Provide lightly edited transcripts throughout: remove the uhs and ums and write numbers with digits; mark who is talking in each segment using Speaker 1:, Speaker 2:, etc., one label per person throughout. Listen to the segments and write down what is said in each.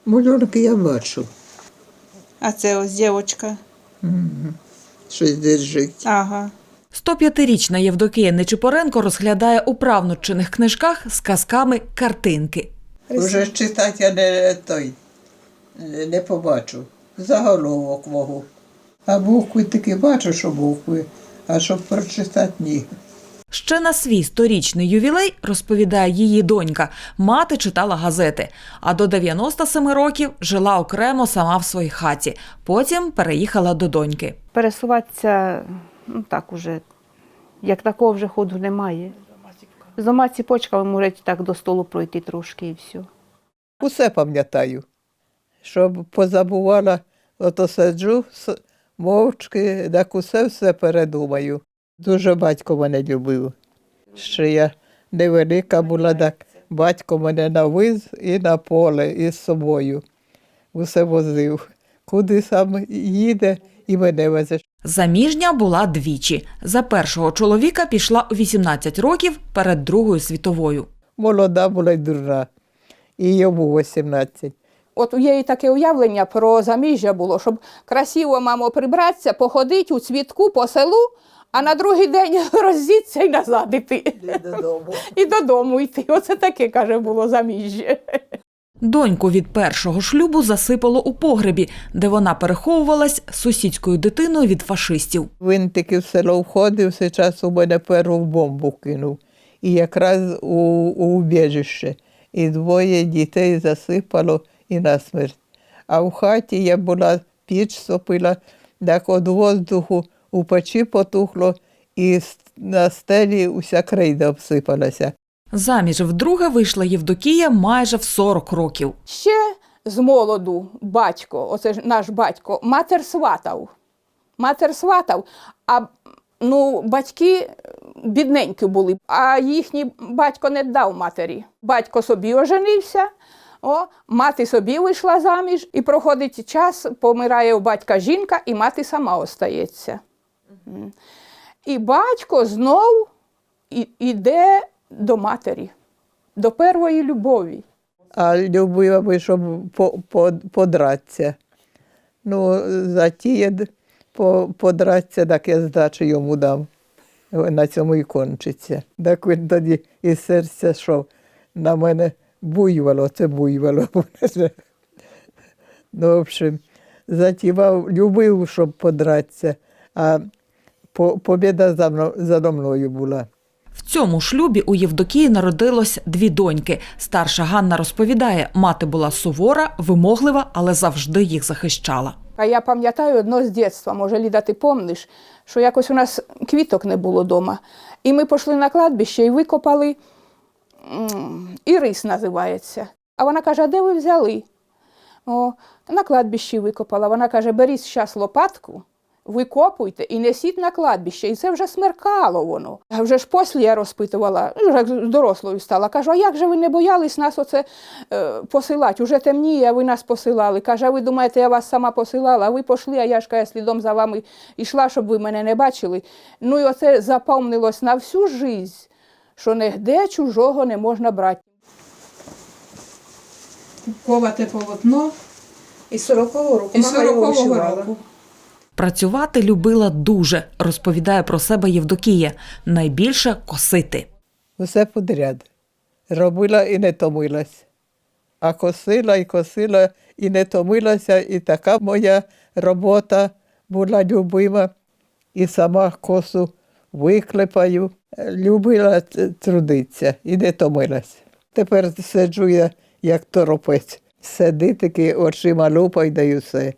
Speaker 1: Малюнки я бачу.
Speaker 2: А це ось дівчинка.
Speaker 1: Щось держить.
Speaker 2: Ага.
Speaker 3: 105-річна Євдокія Нечипоренко розглядає у правнучених книжках з казками картинки.
Speaker 1: Уже читати я не побачу. Заголовок можу. А букви таки бачу, що букви, а щоб прочитати ні.
Speaker 3: Ще на свій 100-річний ювілей, розповідає її донька, мати читала газети, а до 97 років жила окремо сама в своїй хаті. Потім переїхала до доньки.
Speaker 4: Пересуватися, так уже, як такого вже ходу немає. З двома ціпочками можуть так до столу пройти трошки і все.
Speaker 1: Усе пам'ятаю. Щоб позабувала, ото сиджу мовчки, так усе передумаю. Дуже батько мене любив. Ще я невелика була, так батько мене навіз і на поле із собою. Усе возив. Куди сам їде і мене везе.
Speaker 3: Заміжня була двічі. За першого чоловіка пішла у 18 років перед Другою світовою.
Speaker 1: Молода була й дурна. І йому 18.
Speaker 5: От у її таке уявлення про заміжжя було, щоб красиво, мамо, прибратися, походити у цвітку по селу, а на другий день роздіться і назад іти.
Speaker 1: Додому.
Speaker 5: І додому йти. Оце таке, каже, було заміжжя.
Speaker 3: Доньку від першого шлюбу засипало у погребі, де вона переховувалась з сусідською дитиною від фашистів.
Speaker 1: Він таки в село входив, зараз у мене першу бомбу кинув. І якраз у убіжище. І двоє дітей засипало і насмерть. А в хаті я була, піч сопила, так від воздуху у печі потухло, і на стелі уся крейда обсипалася.
Speaker 3: Заміж вдруге вийшла Євдокія майже в 40 років.
Speaker 5: Ще з молоду батько, оце ж наш батько, матер сватав. Матер сватав, а батьки бідненькі були, а їхній батько не дав матері. Батько собі оженився, мати собі вийшла заміж, і проходить час, помирає у батька жінка, і мати сама остається. І батько знов іде до матері, до першої любові.
Speaker 1: А любила би, щоб подратися. Затіє подратися, так я здачу йому дам. На цьому і кончиться. Так він тоді із серця йшов. На мене буйвало, це буйвало. В общем, затівав, любив, щоб подратися, а побіда за мною була.
Speaker 3: В цьому шлюбі у Євдокії народилось 2 доньки. Старша Ганна розповідає, мати була сувора, вимоглива, але завжди їх захищала.
Speaker 5: А я пам'ятаю одно з дитинства, може, Ліда, ти пам'ятаєш, що якось у нас квіток не було вдома. І ми пішли на кладбище і викопали, ірис називається. А вона каже, а де ви взяли? На кладбищі викопала. Вона каже, беріть зараз лопатку, викопуйте і несіть на кладбище. І це вже смеркало воно. А вже ж після я розпитувала, вже дорослою стала. Кажу, а як же ви не боялись нас оце посилати? Уже темніє, а ви нас посилали. Каже, а ви думаєте, я вас сама посилала? А ви пішли, а я ж каже, слідом за вами йшла, щоб ви мене не бачили. І оце запам'яталось на всю життя, що нігде чужого не можна брати.
Speaker 2: Ковате полотно.
Speaker 5: Із 40-го року.
Speaker 2: Із 40-го року.
Speaker 3: Працювати любила дуже, розповідає про себе Євдокія. Найбільше косити.
Speaker 1: Усе подряд. Робила і не томилась. А косила і не томилася. І така моя робота була любима. І сама косу виклепаю. Любила трудитися і не томилась. Тепер сиджу я, як торопець. Сиди таки, очима лупай, да й усе.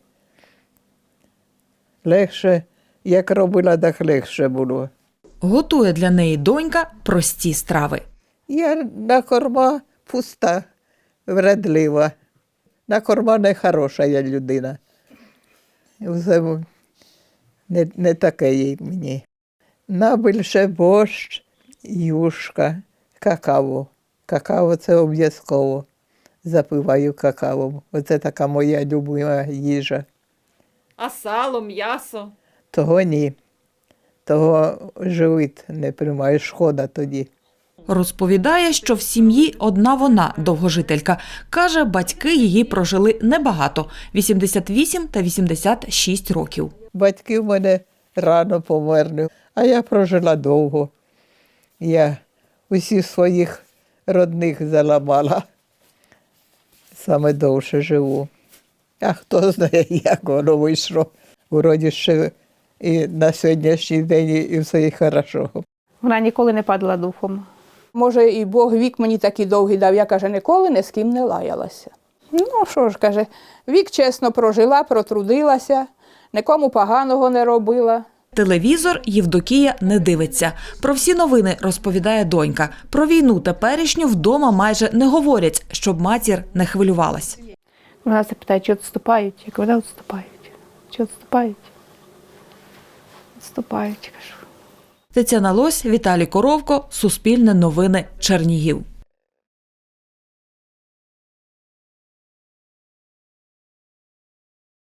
Speaker 1: Легше, як робила, так легше було.
Speaker 3: Готує для неї донька прості страви.
Speaker 1: Я на корма пуста, вредлива. На корма не хороша я людина. Все не таке їй мені. Найбільше борщ, юшка, какао. Какао – це обов'язково. Запиваю какао. Оце така моя любима їжа.
Speaker 3: А сало, м'ясо?
Speaker 1: Того ні. Того живіт не приймає, шкода тоді.
Speaker 3: Розповідає, що в сім'ї одна вона довгожителька. Каже, батьки її прожили небагато – 88 та 86 років.
Speaker 1: Батьки в мене рано померли, а я прожила довго. Я усіх своїх родних заламала. Саме довше живу. А хто знає, як воно вийшло. Вроді ще і на сьогоднішній день і все і хорошо.
Speaker 4: Вона ніколи не падала духом.
Speaker 5: Може, і Бог вік мені такий довгий дав, я, каже, ніколи ні з ким не лаялася. Ну, що ж, каже, вік чесно прожила, протрудилася, нікому поганого не робила.
Speaker 3: Телевізор Євдокія не дивиться. Про всі новини розповідає донька. Про війну теперішню вдома майже не говорять, щоб матір не хвилювалась.
Speaker 4: Вона запитає, чи відступають? Я кажу, да, відступають. Чи відступають? Відступають, кажу.
Speaker 3: Тетяна Лось, Віталій Коровко, Суспільне новини, Чернігів.